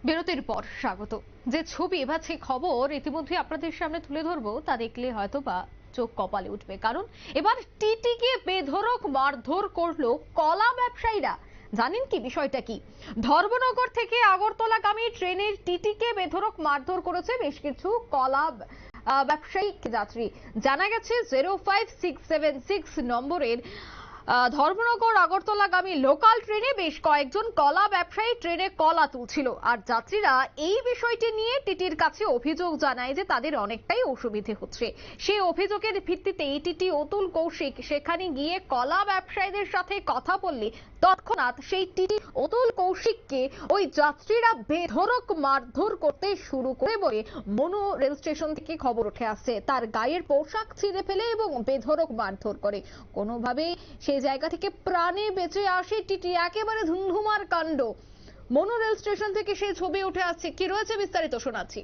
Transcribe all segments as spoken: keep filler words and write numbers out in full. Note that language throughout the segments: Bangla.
বিরতির পর স্বাগত। যে ছবি বা যে খবর ইতিমধ্যে আপনাদের সামনে তুলে ধরবো তা দেখলে হয়তো বা চোখ কপালে উঠবে, কারণ এবার টিটিকে বেধড়ক মারধর করলো কলা ব্যবসায়ীরা। জানেন কি বিষয়টা কি? ধর্মনগর থেকে আগরতলাগামী ট্রেনের টিটিকে বেধড়ক মারধর করেছে বেশ কিছু কলা ব্যবসায়ী যাত্রী। জানা গেছে zero five six seven six নম্বরের ধর্মনগর আগরতলাগামী লোকাল ট্রেনে বেশ কয়েকজন কলা ব্যবসায়ী ট্রেনে কলা তুলছিল, আর যাত্রীরা এই বিষয়টি নিয়ে টিটির কাছে অভিযোগ জানায় যে তাদের অনেকটাই অসুবিধে হচ্ছে। সেই অভিযোগের ভিত্তিতে টিটি অতুল কৌশিক সেখানে গিয়ে কলা ব্যবসায়ীদের সাথে কথা বললে তৎক্ষণাৎ সেই টিটি অতুল কৌশিককে ওই যাত্রীরা বেধড়ক মারধর করতে শুরু করে বলে মনু রেল স্টেশন থেকে খবর উঠে আসছে। তার গায়ের পোশাক ছিঁড়ে ফেলে এবং বেধড়ক মারধর করে। কোনোভাবে সেই জায়গা থেকে প্রাণে বেঁচে আসে টিটি। একেবারে ধুমধুমার কাণ্ড। মনু রেল স্টেশন থেকে সেই ছবি উঠে আসছে। কি রয়েছে বিস্তারিত শোনাচ্ছি।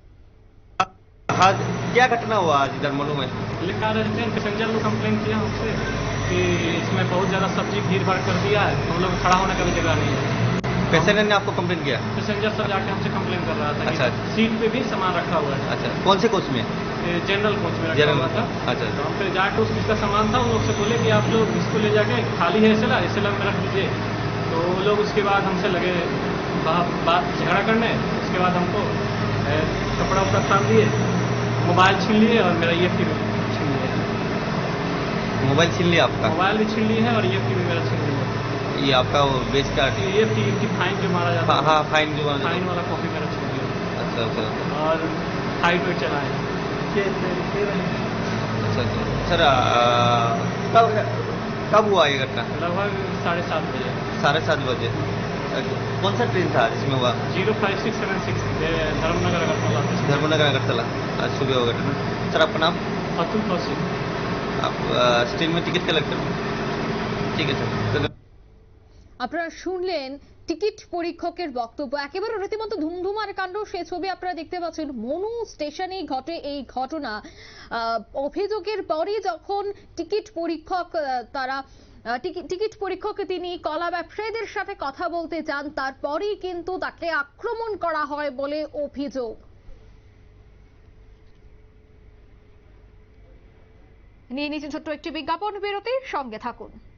आज क्या घटना हुआ आज इधर मनु में? लिखा रेस्टोरेंट पैसेंजर को कंप्लेन किया हमसे कि इसमें बहुत ज़्यादा सब्जी भीड़ भाड़ कर दिया है, हम लोग खड़ा होने का भी जगह नहीं है। पैसेंजर ने आपको कंप्लेन किया? पैसेंजर सब जाके हमसे कंप्लेन कर रहा था। अच्छा। कि सीट पे भी सामान रखा हुआ है। अच्छा, कौन से कोच में? जनरल कोच में रखा जनरल हुआ था। अच्छा। तो हम फिर जाके उस जिसका सामान था उन लोग से बोले कि आप लोग इसको ले जाके खाली है एसएलआर एसएलआर में रख दीजिए। तो वो लोग उसके बाद हमसे लगे बात झगड़ा करने। उसके बाद हमको कपड़ा उपड़ा तान दिए, मोबाइल छीन लिए और मेरा ई एफ टी भी छीन लिया। मोबाइल छीन लिया आपका? मोबाइल भी छीन लिए है और ई एफ टी भी मेरा छीन लिया। ये आपका वो बेच का ई एफ टी की फाइन जो मारा जाता है, हाँ फाइन जो मारा फाइन वाला कॉपी मेरा छीन लिया। अच्छा अच्छा। और हाइट वेट चलाए। अच्छा अच्छा सर, कब कब हुआ ये घटना? लगभग साढ़े सात बजे। साढ़े सात बजे। कौन सा ट्रेन था जिसमें हुआ? Zero five six seven six Dharmanagar Agartala. Dharmanagar Agartala आज सुबह हुआ घटना। सर आपका नाम? अतुल कौशिक। आप ट्रेन में टिकट कलेक्टर? ঠিক আছে। আপনারা শুনলেন টিকিট পরীক্ষকের বক্তব্য। একেবারে রীতিমতো ধুমধুমার কাণ্ড। সেই ছবি আপনারা দেখতে পাচ্ছেন। মনু স্টেশনে ঘটে এই ঘটনা। অভিযোগের পরই যখন টিকিট পরীক্ষক তারা টিকিট পরীক্ষক তিনি কলা ব্যবসায়ীদের সাথে কথা বলতে যান, তারপরেই কিন্তু তাকে আক্রমণ করা হয় বলে অভিযোগ। নিয়ে নিয়েছেন ছোট্ট একটি বিজ্ঞাপন বিরতির সঙ্গে থাকুন।